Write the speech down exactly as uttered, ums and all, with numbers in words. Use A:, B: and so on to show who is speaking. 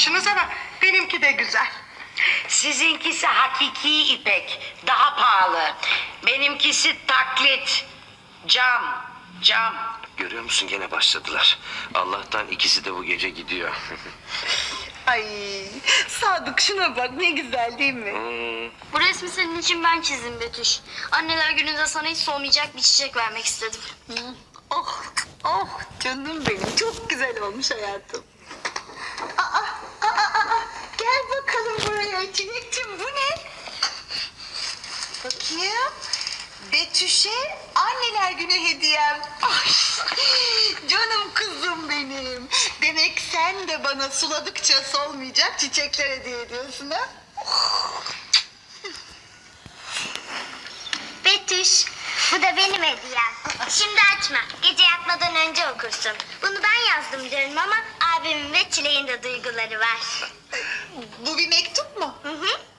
A: almışsınız ama benimki de güzel.
B: Sizinkisi hakiki ipek, daha pahalı. Benimkisi taklit, cam, cam.
C: Görüyor musun, gene başladılar. Allah'tan ikisi de bu gece gidiyor.
A: Ay Sadık, şuna bak ne güzel değil mi?
C: Hmm,
D: Bu resmi senin için ben çizdim Betüş. Anneler gününde sana hiç solmayacak bir çiçek vermek istedim.
A: Oh, oh canım benim, çok güzel olmuş hayatım. Aa, aa, aa, aa. Gel bakalım buraya Çilek'cim, bu ne? Bakayım. Betüş'e anneler günü hediyem. Ay, canım kızım benim. Demek sen de bana suladıkça solmayacak çiçekler hediye ediyorsun ha?
E: Betüş, bu da benim hediyem. Şimdi açma, gece yatmadan önce okursun. Bunu ben yazdım diyorum ama abimin ve Çileğin de duyguları var.
A: Bu bir mektup mu?
E: Hı hı.